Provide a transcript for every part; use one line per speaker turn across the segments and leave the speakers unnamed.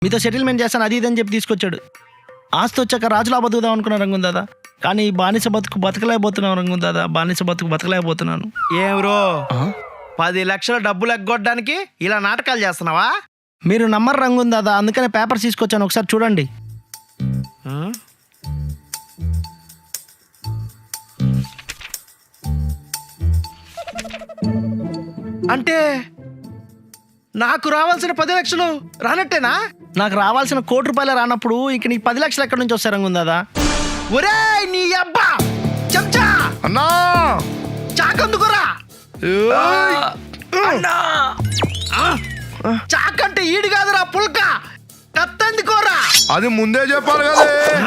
మీతో సెటిల్మెంట్ చేస్తాను అది ఇదని చెప్పి తీసుకొచ్చాడు. ఆస్తి వచ్చాక రాజులా బతుకుదాం అనుకున్నాను రంగున్ దాదా, కానీ బానిస బతుకు బతకలేకపోతున్నాను రంగున్ దాదా, బానిస బతుకు బతకలేకపోతున్నాను.
ఏం బ్రో 10 లక్షల డబ్బులు ఎగ్గొట్టడానికి ఇలా నాటకాలు చేస్తున్నావా?
మీరు నమ్మరు రంగున్ దాదా, అందుకనే పేపర్స్ తీసుకొచ్చాను, ఒకసారి చూడండి.
అంటే నాకు రావాల్సిన 10 లక్షలు రానట్టేనా?
నాకు రావాల్సిన ₹1,00,00,000 రానప్పుడు ఇంక నీకు 10 లక్షలు ఎక్కడి నుంచి వస్తాయి రంగున్ దాదా?
ఒరేయ్ నీ అబ్బా చెంచా
అన్నా
చాకందుకురా. చాకంటే ఈడు కాదురా పుల్క, కత్తందుకోరా.
అది ముందే చెప్పాలి కదా.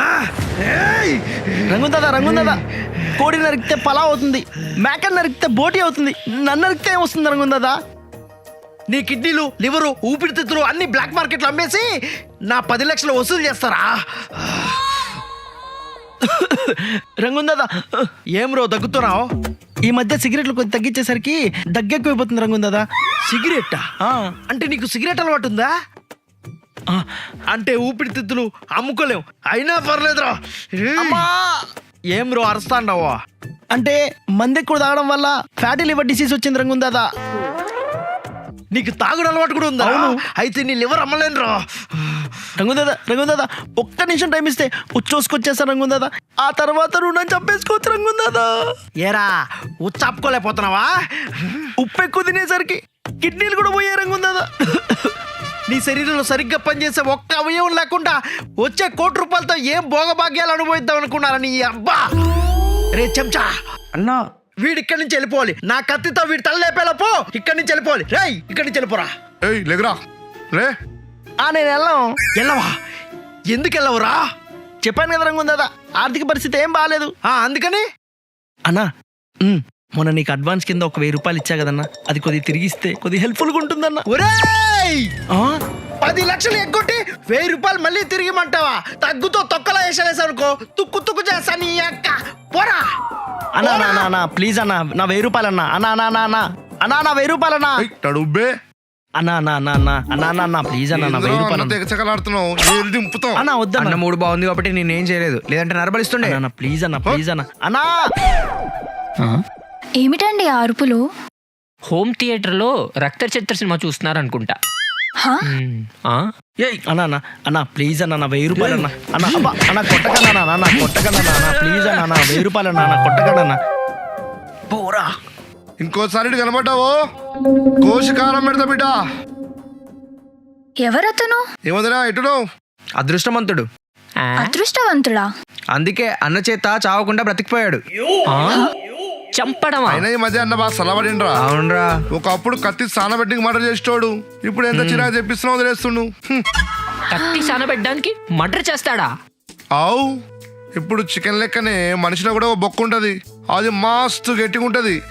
రంగున్ దాదా కోడి నరికితే పలావ్ అవుతుంది, మేకని నరికితే బోటి అవుతుంది, నన్ను నరికితే వస్తుంది రంగున్ దాదా.
నీ కిడ్నీలు, లివరు, ఊపిరితిత్తులు అన్ని బ్లాక్ మార్కెట్లో అమ్మేసి నా 10 లక్షలు వసూలు చేస్తారా?
రంగున్ దాదా,
ఏం రో దగ్గుతున్నావు?
ఈ మధ్య సిగరెట్లు కొద్ది తగ్గించేసరికి దగ్గెక్కువైపోతుంది రంగున్ దాదా.
సిగరెట్టా?
ఆ,
అంటే నీకు సిగరెట్ అలవాటు ఉందా?
ఆ,
అంటే ఊపిరితిత్తులు అమ్ముకోలేం, అయినా పర్లేదురా. ఏం రో అరుస్తాండవా?
అంటే మంది ఎక్కువ తాగడం వల్ల ఫ్యాటీ లివర్ డిసీజ్ వచ్చింది రంగున్ దాదా.
నీకు తాగుడు అలవాటు కూడా ఉందా?
అవును.
అయితే నీ లివర్ అమ్మలేనురా.
రంగున్ దాదా ఒక్క నిమిషం టైం ఇస్తే ఉచ్చోసుకొచ్చేస్తా రంగున్ దాదా, ఆ తర్వాత రుణం చంపేసుకోవచ్చు రంగున్ దాదా.
ఏరా ఉచ్చాపుకోలేకపోతున్నావా?
ఉప్పు ఎక్కువ తినేసరికి కిడ్నీలు కూడా పోయే రంగున్ దాదా.
నీ శరీరంలో సరిగ్గా పనిచేసే ఒక్క అవయవం లేకుండా వచ్చే ₹1,00,00,000తో ఏం భోగభాగ్యాలు అనుభవిద్దాం అనుకున్నారా నీ అబ్బా? రే చెంచా
అన్నా
వీడి ఇక్కడి నుంచి వెళ్ళిపోవాలి. నా కత్తితో వీడి తల లేపేలోపు ఇక్కడి నుంచి వెళ్ళిపోవాలి. రేయ్ ఇక్కడి నుంచి వెళ్ళిపోరా.
ఏయ్ లేకరా లే.
నేను వెళ్ళాం.
వెళ్ళవా? ఎందుకు వెళ్ళవురా?
చెప్పాను కదా రంగున్ దాదా, ఆర్థిక పరిస్థితి ఏం బాగాలేదు.
అందుకని
అన్నా మొన్న నీకు అడ్వాన్స్ కింద ఒక ₹1,000 ఇచ్చా కదన్నా, అది కొద్దిగా తిరిగిస్తే కొద్దిగా హెల్ప్ఫుల్గా ఉంటుందన్నా.
ఒరేయ్ 10 లక్షలు ఎగ్గొట్టి ₹1,000 మళ్ళీ తిరిగిమంటావా? తగ్గుతో తొక్కలా వేసానుకో తుక్కు తుక్కు చేస్తా నీ అక్క. పోరా
అన్నా ప్లీజ్ అన్నా, నా ₹1,000 అన్నా. అన్నా నా ₹1,000 అన్నా.
తడుబ్బే
అన్నా ప్లీజ్ అన్నా, నా ₹1,000
తెగచకలాడుతున్నావు. ఏది దింపుతావు
అన్నా వద్దన్నా.
అన్న మూడు బాగుంది కాబట్టి నేనేం చేయలేదు, లేదంటే నరబలిస్తుండే.
అన్నా ప్లీజ్ అన్నా అన్నా.
ఏమిటండి ఆ అరుపులు?
హోమ్ థియేటర్లో రక్త చిత్ర సినిమా చూస్తున్నారు అనుకుంటా.
హా?
అన్నా ప్లీజ్ అన్నా, నా ₹1,000 అన్నా. అన్నా కొట్టకన్నా అన్నా, కొట్టకన్నా ప్లీజ్ అన్నా, నా ₹1,000 అన్నా, కొట్టకన్నా. పోరా.
ఇంకోసారి ఇటు కనబడ్డావో కోశకారం పెడతా బిడ్డ.
ఎవరతను?
ఏమదిరా ఎటును?
అదృష్టవంతుడు,
ఆ?
అదృష్టవంతుడా?
అందుకే అన్న చేత చావకుండా బ్రతికిపోయాడు.
ఆ? చంపడమా?
అయినా ఈ మధ్య అన్న బాగా సలబడిండ్రా.
అవునరా,
ఒకప్పుడు కత్తి సానబెట్టికి మర్డర్ చేసేటోడు, ఇప్పుడు ఎంత చిరాకు తెప్పిస్తున్నావు వదిలేస్తుండు.
కత్తి సానబెట్టడానికి మర్డర్ చేస్తాడా?
ఆవు ఇప్పుడు చికెన్ లెక్కనే మనిషిలో కూడా ఒక బొక్క ఉంటది, అది మస్తు గట్టిగా ఉంటది.